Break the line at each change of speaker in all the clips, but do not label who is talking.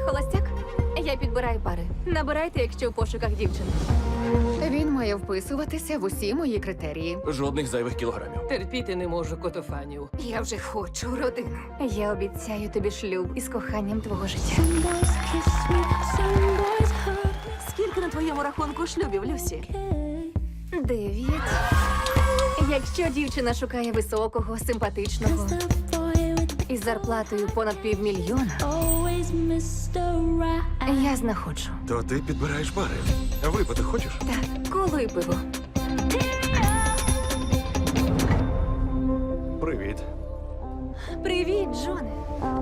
холостяк? Я підбираю пари. Набирайте, якщо в пошуках дівчин.
Він має вписуватися в усі мої критерії.
Жодних зайвих кілограмів.
Терпіти не можу котофанів.
Я вже хочу родину.
Я обіцяю тобі шлюб із коханням твого життя.
Some boys kiss me, some boys hurt
Скільки на твоєму рахунку шлюбів, Люсі?
9. Якщо дівчина шукає високого, симпатичного
the boy with
із зарплатою понад 500 000,
always Mr. Right.
я знаходжу.
То ти підбираєш пари. Випити хочеш?
Так, коло і пиво.
Привіт.
Привіт, Джоне.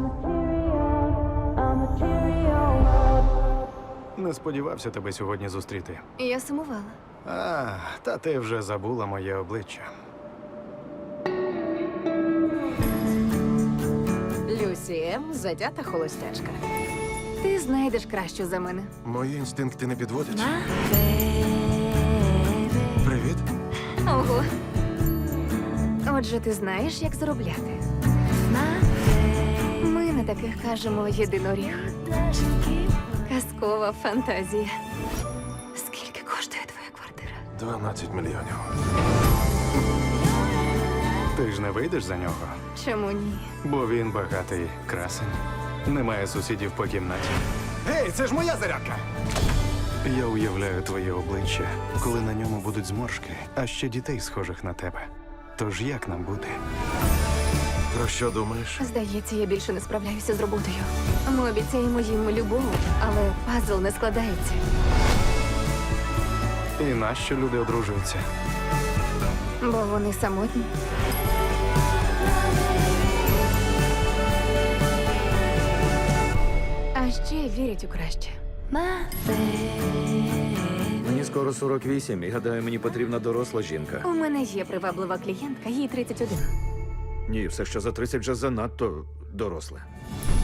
Не сподівався тебе сьогодні зустріти.
Я сумувала.
Та ти вже забула моє обличчя.
Люсі М. затята холостячка.
Ти знайдеш кращу за мене.
Мої інстинкти не підводять. Привіт.
Ого. Отже, ти знаєш, як заробляти. Ми на таких кажемо єдиноріг. Казкова фантазія. Скільки коштує твоя квартира?
12 мільйонів. Ти ж не вийдеш за нього,
Чому ні?
бо він багатий красень. Немає сусідів по кімнаті. Гей, це ж моя зарядка! Я уявляю твоє обличчя, коли на ньому будуть зморшки, а ще дітей, схожих на тебе. Тож як нам бути? Про що думаєш?
Здається, я більше не справляюся з роботою. Ми обіцяємо їм любов, але пазл не складається.
І нащо люди одружуються?
Бо вони самотні. А ще вірять у краще.
Мені скоро 48, і гадаю, мені потрібна доросла жінка.
У мене є приваблива клієнтка, їй 31.
Ні, все, що за 30 вже занадто доросле.